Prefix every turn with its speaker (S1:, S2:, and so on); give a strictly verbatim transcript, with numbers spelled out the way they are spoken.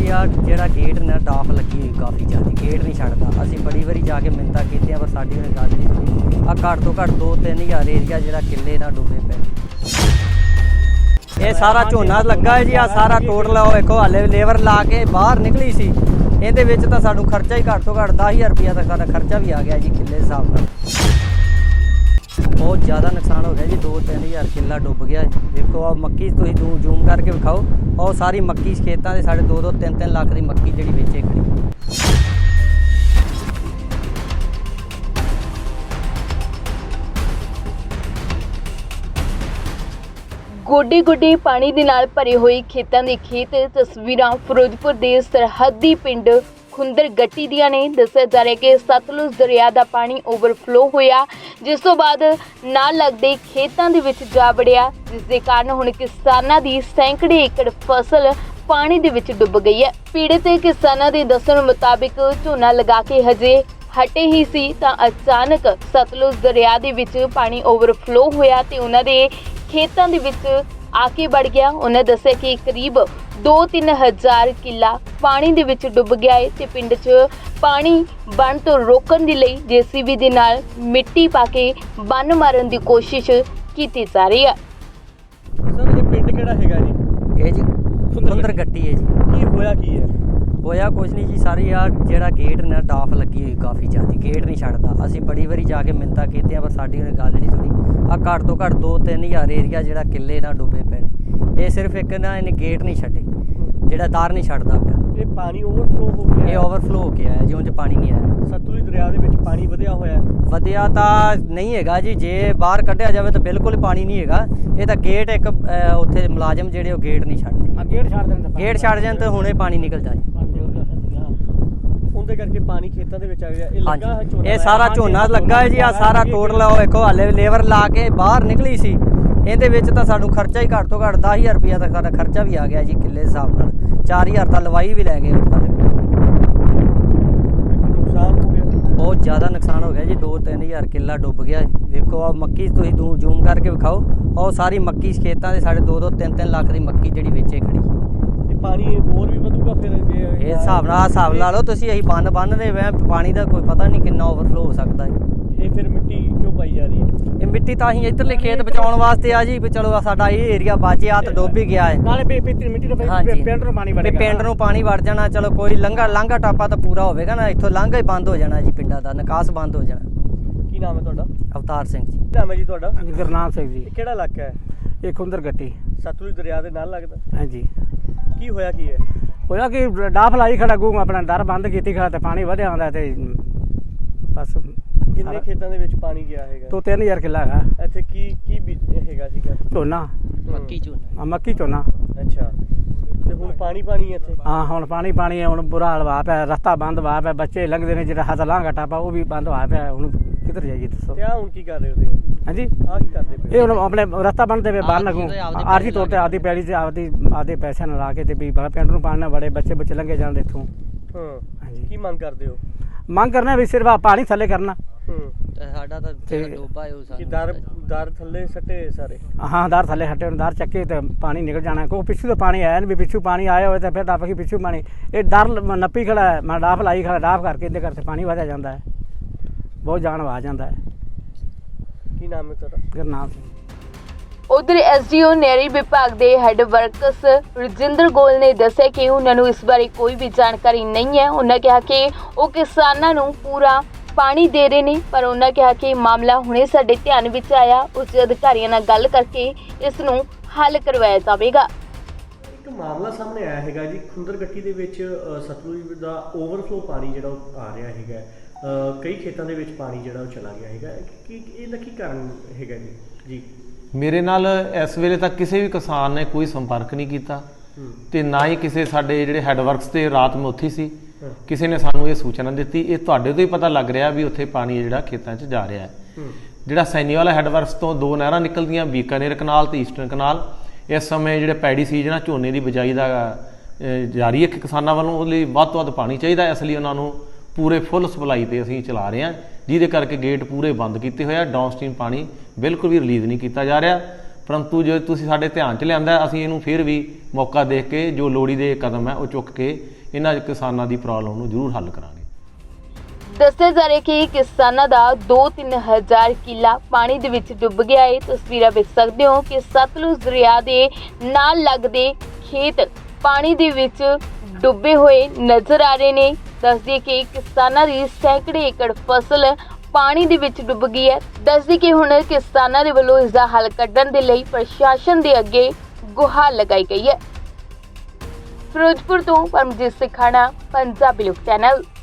S1: ਸਾਰੀ ਆ ਜਿਹੜਾ ਗੇਟ ਨਾ ਡਾਫ ਲੱਗੀ ਹੋਈ ਕਾਫੀ ਜ਼ਿਆਦਾ, ਗੇਟ ਨਹੀਂ ਛੱਡਦਾ। ਅਸੀਂ ਬੜੀ ਵਾਰੀ ਜਾ ਕੇ ਮਿੰਨਤਾਂ ਕੀਤੀਆਂ ਪਰ ਸਾਡੀ ਉਹਨੇ ਗੱਲ ਨਹੀਂ ਸੁਣੀ। ਆ ਘੱਟ ਤੋਂ ਘੱਟ ਦੋ ਤਿੰਨ ਹਜ਼ਾਰ ਏਰੀਆ ਜਿਹੜਾ ਕਿੱਲੇ ਨਾਲ ਡੁੱਬੇ ਪਏ। ਇਹ ਸਾਰਾ ਝੋਨਾ ਲੱਗਾ ਹੈ ਜੀ, ਆ ਸਾਰਾ ਟੋਟਲ ਉਹ ਵੇਖੋ ਹਾਲੇ ਲੇਬਰ ਲਾ ਕੇ ਬਾਹਰ ਨਿਕਲੀ ਸੀ। ਇਹਦੇ ਵਿੱਚ ਤਾਂ ਸਾਨੂੰ ਖਰਚਾ ਹੀ ਘੱਟ ਤੋਂ ਘੱਟ ਦਸ ਹਜ਼ਾਰ ਰੁਪਇਆ ਤੱਕ ਸਾਡਾ ਖਰਚਾ ਵੀ ਆ ਗਿਆ ਜੀ ਕਿੱਲੇ ਦੇ ਹਿਸਾਬ ਨਾਲ। ਬਹੁਤ ਜ਼ਿਆਦਾ ਨੁਕਸਾਨ ਹੋ ਗਿਆ ਜੀ, ਦੋ ਤਿੰਨ ਹਜ਼ਾਰ ਕਿੱਲਾ ਡੁੱਬ ਗਿਆ। ਦੇਖੋ ਆ ਮੱਕੀ ਤੁਸੀਂ ਦੂ ਜ਼ੂਮ ਕਰਕੇ ਵਿਖਾਓ, ਉਹ ਸਾਰੀ ਮੱਕੀ ਖੇਤਾਂ ਦੇ ਸਾਡੇ ਦੋ ਦੋ ਤਿੰਨ ਤਿੰਨ ਲੱਖ ਦੀ ਮੱਕੀ ਜਿਹੜੀ ਵੇਚੇ ਖੜੀ।
S2: ਗੋਡੀ ਗੋਡੀ ਪਾਣੀ ਦੇ ਨਾਲ ਭਰੇ ਹੋਏ ਖੇਤਾਂ ਦੇ ਖੇਤ ਤਸਵੀਰਾਂ ਫਿਰੋਜ਼ਪੁਰ ਦੇ ਸਰਹੱਦੀ ਪਿੰਡ ਖੁੰਦਰ ਗੱਟੀ ਦੀਆਂ ਨੇ। ਦੱਸਿਆ ਜਾ ਰਿਹਾ ਕਿ ਸਤਲੁਜ ਦਰਿਆ ਦਾ ਪਾਣੀ ਓਵਰਫਲੋ ਹੋਇਆ, ਜਿਸ ਤੋਂ ਬਾਅਦ ਨਾਲ ਲੱਗਦੇ ਖੇਤਾਂ ਦੇ ਵਿੱਚ ਜਾ ਵੜਿਆ, ਜਿਸ ਦੇ ਕਾਰਨ ਹੁਣ ਕਿਸਾਨਾਂ ਦੀ ਸੈਂਕੜੇ ਏਕੜ ਫਸਲ ਪਾਣੀ ਦੇ ਵਿੱਚ ਡੁੱਬ ਗਈ ਹੈ। ਪੀੜਤ ਕਿਸਾਨਾਂ ਦੇ ਦੱਸਣ ਮੁਤਾਬਿਕ ਝੋਨਾ ਲਗਾ ਕੇ ਹਜੇ ਹਟੇ ਹੀ ਸੀ ਤਾਂ ਅਚਾਨਕ ਸਤਲੁਜ ਦਰਿਆ ਦੇ ਵਿੱਚ ਪਾਣੀ ਓਵਰਫਲੋ ਹੋਇਆ ਤੇ ਉਹਨਾਂ ਦੇ ਖੇਤਾਂ ਦੇ ਵਿੱਚ ਆ ਕੇ ਵੜ ਗਿਆ। ਉਹਨਾਂ ਦੱਸਿਆ ਕਿ ਕਰੀਬ ਦੋ ਤਿੰਨ ਹਜ਼ਾਰ ਕਿੱਲਾ ਪਾਣੀ ਦੇ ਵਿੱਚ ਡੁੱਬ ਗਿਆ ਹੈ ਤੇ ਪਿੰਡ 'ਚ ਪਾਣੀ ਬੰਨ ਤੋਂ ਰੋਕਣ ਦੇ ਲਈ ਜੇਸੀਬੀ ਦੇ ਨਾਲ ਮਿੱਟੀ ਪਾ ਕੇ ਬੰਨ ਮਾਰਨ ਦੀ ਕੋਸ਼ਿਸ਼ ਕੀਤੀ ਜਾ ਰਹੀ ਹੈ।
S3: ਸਰ ਇਹ ਪਿੰਡ ਕਿਹੜਾ ਹੈਗਾ ਜੀ?
S1: ਇਹ ਜੀ ਖੁੰਦਰ ਗੱਟੀ ਹੈ ਜੀ।
S3: ਕੀ ਹੋਇਆ ਕੀ ਹੈ?
S1: ਹੋਇਆ ਕੁਛ ਨਹੀਂ ਜੀ, ਸਾਰੀ ਆ ਜਿਹੜਾ ਗੇਟ ਨਾ ਡਾਫ ਲੱਗੀ ਹੋਈ ਕਾਫੀ ਜ਼ਿਆਦਾ, ਗੇਟ ਨਹੀਂ ਛੱਡਦਾ। ਅਸੀਂ ਬੜੀ ਵਾਰੀ ਜਾ ਕੇ ਮਿੰਨਤਾਂ ਕੀਤੀਆਂ ਪਰ ਸਾਡੀ ਉਹਨੇ ਗੱਲ ਨਹੀਂ ਸੁਣੀ। ਆ ਘੱਟ ਤੋਂ ਘੱਟ ਦੋ ਤਿੰਨ ਹਜ਼ਾਰ ਏਰੀਆ ਜਿਹੜਾ ਕਿੱਲੇ ਨਾਲ ਡੁੱਬੇ ਪਏ ਨੇ। ਇਹ ਸਿਰਫ ਇੱਕ ਨਾ ਇਹਨੇ ਗੇਟ ਨਹੀਂ ਛੱਡੇ, ਜਿਹੜਾ ਦਰ ਨਹੀਂ ਛੱਡਦਾ ਪਿਆ।
S3: ਇਹ ਪਾਣੀ ਓਵਰਫਲੋ ਹੋ ਗਿਆ?
S1: ਇਹ ਓਵਰਫਲੋ ਹੋ ਕੇ ਆਇਆ ਜੀ, ਉਂਝ ਪਾਣੀ ਨਹੀਂ ਆਇਆ।
S3: ਸਤਲੁਜ ਦਰਿਆ ਦੇ ਵਿੱਚ ਪਾਣੀ ਵਧਿਆ ਹੋਇਆ?
S1: ਵਧਿਆ ਤਾਂ ਨਹੀਂ ਹੈਗਾ ਜੀ, ਜੇ ਬਾਹਰ ਕੱਢਿਆ ਜਾਵੇ ਤਾਂ ਬਿਲਕੁਲ ਪਾਣੀ ਨਹੀਂ ਹੈਗਾ। ਇਹ ਤਾਂ ਗੇਟ ਇੱਕ ਉੱਥੇ ਮੁਲਾਜ਼ਮ ਜਿਹੜੇ ਉਹ ਗੇਟ ਨਹੀਂ ਛੱਡਦੇ।
S3: ਗੇਟ ਛੱਡ ਦੇਣ
S1: ਗੇਟ ਛੱਡ ਜਾਣ ਤਾਂ ਹੁਣੇ ਪਾਣੀ ਨਿਕਲ ਜਾਏ।
S3: ਉਹਦੇ ਕਰਕੇ ਪਾਣੀ ਖੇਤਾਂ ਦੇ ਵਿੱਚ ਆ ਗਿਆ। ਇਹ ਲੱਗਾ ਹੈ ਝੋਨਾ?
S1: ਇਹ ਸਾਰਾ ਝੋਨਾ ਲੱਗਾ ਹੈ ਜੀ, ਆ ਸਾਰਾ ਟੋਟਲ ਉਹ ਵੇਖੋ ਹਾਲੇ ਲੇਬਰ ਲਾ ਕੇ ਬਾਹਰ ਨਿਕਲੀ ਸੀ। ਇਹਦੇ ਵਿੱਚ ਤਾਂ ਸਾਨੂੰ ਖਰਚਾ ਹੀ ਘੱਟ ਤੋਂ ਘੱਟ ਦਸ ਹਜ਼ਾਰ ਰੁਪਇਆ ਤੱਕ ਸਾਡਾ ਖਰਚਾ ਵੀ ਆ ਗਿਆ ਜੀ ਕਿੱਲੇ ਦੇ ਹਿਸਾਬ ਨਾਲ। ਚਾਰ ਹਜ਼ਾਰ ਤਾਂ ਲਵਾਈ ਵੀ ਲੈ ਗਏ ਸਾਡੇ ਕੋਲ।
S3: ਨੁਕਸਾਨ ਹੋ ਗਿਆ?
S1: ਬਹੁਤ ਜ਼ਿਆਦਾ ਨੁਕਸਾਨ ਹੋ ਗਿਆ ਜੀ, ਦੋ ਤਿੰਨ ਹਜ਼ਾਰ ਕਿੱਲਾ ਡੁੱਬ ਗਿਆ। ਵੇਖੋ ਆ ਮੱਕੀ ਤੁਸੀਂ ਦੂ ਜ਼ੂਮ ਕਰਕੇ ਵਿਖਾਓ, ਉਹ ਸਾਰੀ ਮੱਕੀ ਖੇਤਾਂ ਦੇ ਸਾਡੇ ਦੋ ਦੋ ਤਿੰਨ ਤਿੰਨ ਲੱਖ ਦੀ ਮੱਕੀ ਜਿਹੜੀ ਵੇਚੇ ਖੜੀ।
S3: ਇਹ ਪਾਣੀ ਹੋਰ ਵੀ ਵਧੂਗਾ ਫਿਰ ਜੇ
S1: ਇਹ ਹਿਸਾਬ ਨਾਲ ਹਿਸਾਬ ਲਾ ਲਓ ਤੁਸੀਂ। ਅਸੀਂ ਬੰਨ ਬੰਨ ਰਹੇ ਵੇ ਪਾਣੀ ਦਾ ਕੋਈ ਪਤਾ ਨਹੀਂ ਕਿੰਨਾ ਓਵਰਫਲੋ ਹੋ ਸਕਦਾ ਹੈ।
S3: ਇਹ ਫਿਰ ਮਿੱਟੀ ਕਿਉਂ ਪਾਈ ਜਾ ਰਹੀ ਹੈ?
S1: ਇਹ ਮਿੱਟੀ ਤਾਂ ਅਸੀਂ ਇੱਧਰਲੇ ਖੇਤ ਬਚਾਉਣ ਵਾਸਤੇ ਆ ਜੀ, ਵੀ ਚਲੋ ਸਾਡਾ ਇਹ ਏਰੀਆ ਬਚ ਆ ਤਾਂ ਡੁੱਬ ਹੀ ਗਿਆ ਹੈ।
S3: ਨਾਲੇ ਮਿੱਟੀ ਨੂੰ ਪਿੰਡ ਨੂੰ ਪਾਣੀ ਵੜੇਗਾ।
S1: ਪਿੰਡ ਨੂੰ ਪਾਣੀ ਵੜ ਜਾਣਾ, ਚਲੋ ਕੋਈ ਲੰਘਾ ਲਾਂਘਾ ਟਾਪਾ ਤਾਂ ਪੂਰਾ ਹੋਵੇਗਾ ਨਾ, ਇੱਥੋਂ ਲਾਂਘਾ ਹੀ ਬੰਦ ਹੋ ਜਾਣਾ ਜੀ, ਪਿੰਡਾਂ ਦਾ ਨਿਕਾਸ ਬੰਦ ਹੋ ਜਾਣਾ।
S3: ਕੀ ਨਾਮ ਹੈ ਤੁਹਾਡਾ?
S1: ਅਵਤਾਰ ਸਿੰਘ ਜੀ।
S3: ਨਾਮ ਹੈ ਜੀ ਤੁਹਾਡਾ?
S4: ਗੁਰਨਾਮ ਸਿੰਘ ਜੀ।
S3: ਇਹ ਕਿਹੜਾ ਇਲਾਕਾ ਹੈ?
S4: ਇਹ ਖੁੰਦਰ ਗੱਟੀ।
S3: ਸਤਲੁਜ ਦਰਿਆ ਦੇ ਨਾਲ ਲੱਗਦਾ?
S4: ਹਾਂਜੀ।
S3: ਕੀ ਹੋਇਆ ਕੀ ਹੈ?
S4: ਹੋਇਆ ਕਿ ਡਾਫ ਲਾਈ ਖੜਾ ਗੂ ਆਪਣਾ ਦਰ ਬੰਦ ਕੀਤੀ ਖੜਾ ਤੇ ਪਾਣੀ ਵਧਿਆ ਆਉਂਦਾ ਤੇ ਬਸ।
S3: ਕਿੰਨੇ ਖੇਤਾਂ ਦੇ ਵਿੱਚ ਪਾਣੀ ਗਿਆ ਹੈਗਾ?
S4: ਤੋਂ ਤਿੰਨ ਹਜ਼ਾਰ ਕਿੱਲਾ ਹੈਗਾ।
S3: ਇੱਥੇ ਕੀ ਕੀ ਬੀਜ ਹੈਗਾ ਸੀਗਾ?
S4: ਝੋਨਾ।
S1: ਮੱਕੀ ਝੋਨਾ।
S4: ਆ ਮੱਕੀ ਝੋਨਾ।
S3: ਅੱਛਾ, ਤੇ ਹੁਣ ਪਾਣੀ ਪਾਣੀ ਹੈ ਇੱਥੇ?
S4: ਹਾਂ ਹੁਣ ਪਾਣੀ ਪਾਣੀ ਹੈ, ਹੁਣ ਬੁਰਾ ਹਾਲ ਹੋਇਆ ਪਿਆ, ਰਸਤਾ ਬੰਦ ਹੋਇਆ ਪਿਆ, ਬੱਚੇ ਲੰਘਦੇ ਨੇ, ਜਿਹੜਾ ਹੱਥ ਲਾਂਘਾ ਟਾਪਾ ਉਹ ਵੀ ਬੰਦ ਹੋਇਆ ਪਿਆ। ਹੁਣ ਕਿੱਧਰ ਜਾਈਏ ਦੱਸੋ?
S3: ਤੇ ਆ ਹੁਣ ਕੀ ਕਰ ਰਹੇ ਹੋ ਤੁਸੀਂ?
S4: ਹਾਂਜੀ
S3: ਆ ਕੀ ਕਰਦੇ ਪਏ?
S4: ਇਹ ਹੁਣ ਆਪਣੇ ਰਸਤਾ ਬੰਨਦੇ ਪਏ ਬੰਨ ਲੱਗੂ, ਆਰਜੀ ਤੌਰ ਤੇ ਆਪਦੀ ਪੈਲੀ ਤੇ ਆਪਦੀ ਆਪਦੇ ਪੈਸਿਆਂ ਨਾਲ ਲਾ ਕੇ ਤੇ ਵੀ ਪਿੰਡ ਨੂੰ ਪਾਣੀ ਨਾ ਵੜੇ, ਬੱਚੇ ਬੱਚੇ ਲੰਘੇ ਜਾਣ ਇੱਥੋਂ।
S3: ਹਾਂ
S4: ਹਾਂਜੀ।
S3: ਕੀ ਮੰਗ ਕਰਦੇ ਹੋ?
S4: ਮੰਗ ਕਰਨਾ ਵੀ ਸਿਰਫ ਪਾਣੀ ਥੱਲੇ ਕਰਨਾ।
S3: ਹੂੰ।
S1: ਸਾਡਾ ਤਾਂ ਡੋਬਾ ਉਹ
S3: ਕਿ ਦਰ ਦਰ ਥੱਲੇ ਸੱਟੇ ਸਾਰੇ?
S4: ਹਾਂ ਦਰ ਥੱਲੇ ਹਟੇ ਹੁਣ, ਦਰ ਚੱਕੇ ਤੇ ਪਾਣੀ ਨਿਕਲ ਜਾਣਾ। ਕੋਈ ਪਿੱਛੂ ਤੋਂ ਪਾਣੀ ਆਇਆ ਨਹੀਂ, ਵੀ ਪਿੱਛੂ ਪਾਣੀ ਆਇਆ ਹੋਵੇ ਤਾਂ ਫਿਰ ਦੱਬ ਕੇ ਪਿੱਛੂ ਪਾਣੀ। ਇਹ ਡਰ ਨੱਪੀ ਖੜਾ ਹੈ, ਮੈਂ ਡਾਫ ਲਾਈ ਖੜਾ, ਡਾਫ ਕਰਕੇ ਇਹਦੇ ਕਰਕੇ ਪਾਣੀ ਵਧਿਆ ਜਾਂਦਾ ਹੈ, ਬਹੁਤ ਜਾਨ ਵਾ ਜਾਂਦਾ ਹੈ।
S3: ਕੀ ਨਾਮ ਹੈ ਤੁਹਾਡਾ?
S4: ਗੁਰਨਾਮ ਸਿੰਘ।
S2: ਉਧਰ ਐਸਡੀਓ ਨਹਿਰੀ ਵਿਭਾਗ ਦੇ ਹੈੱਡ ਵਰਕਸ ਰਜਿੰਦਰ ਗੋਲ ਨੇ ਦੱਸਿਆ ਕਿ ਉਹਨਾਂ ਨੂੰ ਇਸ ਬਾਰੇ ਕੋਈ ਵੀ ਜਾਣਕਾਰੀ ਨਹੀਂ ਹੈ। ਉਹਨਾਂ ਕਿਹਾ ਕਿ ਉਹ ਕਿਸਾਨਾਂ ਨੂੰ ਪੂਰਾ ਪਾਣੀ ਦੇ ਰਹੇ ਨੇ, ਪਰ ਉਹਨਾਂ ਕਿਹਾ ਕਿ ਮਾਮਲਾ ਹੁਣੇ ਸਾਡੇ ਧਿਆਨ ਵਿੱਚ ਆਇਆ, ਉੱਚ ਅਧਿਕਾਰੀਆਂ ਨਾਲ ਗੱਲ ਕਰਕੇ ਇਸ ਨੂੰ ਹੱਲ ਕਰਵਾਇਆ ਜਾਵੇਗਾ।
S3: ਇੱਕ ਮਾਮਲਾ ਸਾਹਮਣੇ ਆਇਆ ਹੈਗਾ ਜੀ, ਖੁੰਦਰ ਗੱਟੀ ਦੇ ਵਿੱਚ ਸਤਲੁਜ ਦਾ ਓਵਰਫਲੋ ਪਾਣੀ ਜਿਹੜਾ ਉਹ ਆ ਰਿਹਾ ਹੈਗਾ। ਕਈ ਖੇਤਾਂ ਦੇ ਵਿੱਚ ਪਾਣੀ ਜਿਹੜਾ ਉਹ ਚਲਾ ਗਿਆ ਹੈਗਾ। ਕੀ ਇਹਦਾ ਕੀ ਕਾਰਨ ਹੈਗਾ ਜੀ? ਜੀ
S5: ਮੇਰੇ ਨਾਲ ਇਸ ਵੇਲੇ ਤੱਕ ਕਿਸੇ ਵੀ ਕਿਸਾਨ ਨੇ ਕੋਈ ਸੰਪਰਕ ਨਹੀਂ ਕੀਤਾ ਤੇ ਨਾ ਹੀ ਕਿਸੇ ਸਾਡੇ ਜਿਹੜੇ ਹੈੱਡ ਵਰਕਸ ਤੇ ਰਾਤ ਮੈਂ ਉੱਥੇ ਸੀ, ਕਿਸੇ ਨੇ ਸਾਨੂੰ ਇਹ ਸੂਚਨਾ ਦਿੱਤੀ। ਇਹ ਤੁਹਾਡੇ ਤੋਂ ਹੀ ਪਤਾ ਲੱਗ ਰਿਹਾ ਵੀ ਉੱਥੇ ਪਾਣੀ ਜਿਹੜਾ ਖੇਤਾਂ 'ਚ ਜਾ ਰਿਹਾ ਹੈ। ਜਿਹੜਾ ਸੈਨੀਵਾਲਾ ਹੈੱਡ ਵਰਕਸ ਤੋਂ ਦੋ ਨਹਿਰਾਂ ਨਿਕਲਦੀਆਂ, ਬੀਕਾਨੇਰ ਕਨਾਲ ਤੇ ਈਸਟਰਨ ਕਨਾਲ, ਇਸ ਸਮੇਂ ਜਿਹੜੇ ਪੈਡੀ ਸੀਜ਼ਨ ਆ ਝੋਨੇ ਦੀ ਬਿਜਾਈ ਦਾ ਜਾਰੀ ਹੈ ਕਿਸਾਨਾਂ ਵੱਲੋਂ, ਉਹਦੇ ਲਈ ਵੱਧ ਤੋਂ ਵੱਧ ਪਾਣੀ ਚਾਹੀਦਾ। ਇਸ ਲਈ ਉਹਨਾਂ ਨੂੰ ਪੂਰੇ ਫੁੱਲ ਸਪਲਾਈ ਤੇ ਅਸੀਂ ਚਲਾ ਰਹੇ ਹਾਂ, ਜਿਹਦੇ ਕਰਕੇ ਗੇਟ ਪੂਰੇ ਬੰਦ ਕੀਤੇ ਹੋਏ ਆ। ਡਾਊਨ ਸਟਰੀਮ ਪਾਣੀ ਬਿਲਕੁਲ ਵੀ ਰਿਲੀਜ਼ ਨਹੀਂ ਕੀਤਾ ਜਾ ਰਿਹਾ। ਪਰੰਤੂ ਜੇ ਤੁਸੀਂ ਸਾਡੇ ਧਿਆਨ 'ਚ ਲਿਆਂਦਾ, ਅਸੀਂ ਇਹਨੂੰ ਫਿਰ ਵੀ ਮੌਕਾ ਦੇਖ ਕੇ ਜੋ ਲੋੜੀ ਦੇ ਕਦਮ ਹੈ ਉਹ ਚੁੱਕ ਕੇ ਇਹਨਾਂ ਕਿਸਾਨਾਂ ਦੀ ਪ੍ਰੋਬਲਮ ਨੂੰ ਜ਼ਰੂਰ ਹੱਲ ਕਰਾਂਗੇ।
S2: ਦੱਸਿਆ ਜਾ ਰਿਹਾ ਕਿ ਕਿਸਾਨਾਂ ਦਾ ਦੋ ਤਿੰਨ ਹਜ਼ਾਰ ਕਿੱਲਾ ਪਾਣੀ ਦੇ ਵਿੱਚ ਡੁੱਬ ਗਿਆ ਹੈ। ਤਸਵੀਰਾਂ ਵੇਖ ਸਕਦੇ ਹੋ ਕਿ ਸਤਲੁਜ ਦਰਿਆ ਦੇ ਨਾਲ ਲੱਗਦੇ ਖੇਤ ਪਾਣੀ ਦੇ ਵਿੱਚ ਡੁੱਬੇ ਹੋਏ ਨਜ਼ਰ ਆ ਰਹੇ ਨੇ। ਦੱਸਦੇ ਕਿ ਕਿਸਾਨਾਂ ਦੀ ਸੈਂਕੜੇ ਏਕੜ ਫਸਲ ਪਾਣੀ ਦੇ ਵਿੱਚ ਡੁੱਬ ਗਈ ਹੈ। ਦੱਸਦੇ ਕਿ ਹੁਣ ਕਿਸਾਨਾਂ ਦੇ ਵੱਲੋਂ ਇਸ ਦਾ ਹੱਲ ਕੱਢਣ ਦੇ ਲਈ ਪ੍ਰਸ਼ਾਸਨ ਦੇ ਅੱਗੇ ਗੁਹਾਰ ਲਗਾਈ ਗਈ ਹੈ। ਫਿਰੋਜ਼ਪੁਰ ਤੋਂ ਪਰਮਜੀਤ ਸਿੰਘ ਖਾਣਾ, ਪੰਜਾਬੀ ਲੋਕ ਚੈਨਲ।